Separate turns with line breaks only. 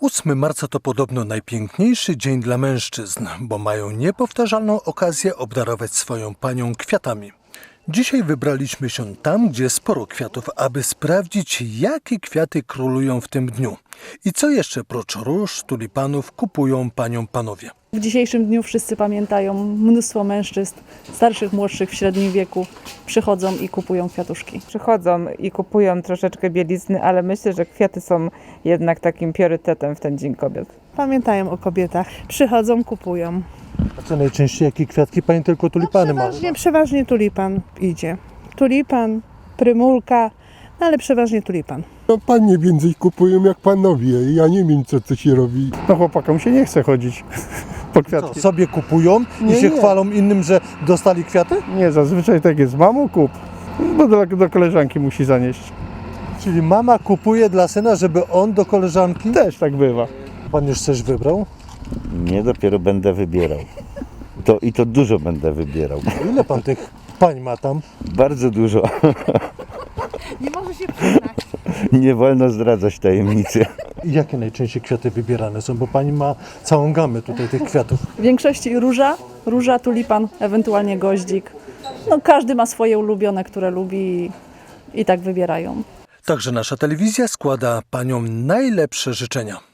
8 marca to podobno najpiękniejszy dzień dla mężczyzn, bo mają niepowtarzalną okazję obdarować swoją panią kwiatami. Dzisiaj wybraliśmy się tam, gdzie sporo kwiatów, aby sprawdzić, jakie kwiaty królują w tym dniu. I co jeszcze prócz róż, tulipanów kupują paniom panowie.
W dzisiejszym dniu wszyscy pamiętają, mnóstwo mężczyzn, starszych, młodszych, w średnim wieku przychodzą i kupują kwiatuszki.
Przychodzą i kupują troszeczkę bielizny, ale myślę, że kwiaty są jednak takim priorytetem w ten Dzień Kobiet.
Pamiętają o kobietach, przychodzą, kupują.
A co najczęściej, jakie kwiatki? Pani tylko tulipany ma.
Przeważnie tulipan idzie. Tulipan, prymulka, ale przeważnie tulipan.
No panie więcej kupują jak panowie. Ja nie wiem co się robi.
No chłopakom się nie chce chodzić po
Co,
kwiatki.
sobie kupują i
Nie,
się
nie.
chwalą innym, że dostali kwiaty?
Nie, zazwyczaj tak jest. Mamo kup, bo do koleżanki musi zanieść.
Czyli mama kupuje dla syna, żeby on do koleżanki?
Też tak bywa.
Pan już coś wybrał?
Nie, dopiero będę wybierał. I to dużo będę wybierał.
Ile pan tych pań ma tam?
Bardzo dużo.
Nie może się przyznać.
Nie wolno zdradzać tajemnicy.
I jakie najczęściej kwiaty wybierane są? Bo pani ma całą gamę tutaj tych kwiatów.
W większości róża, tulipan, ewentualnie goździk. No, każdy ma swoje ulubione, które lubi i tak wybierają.
Także nasza telewizja składa paniom najlepsze życzenia.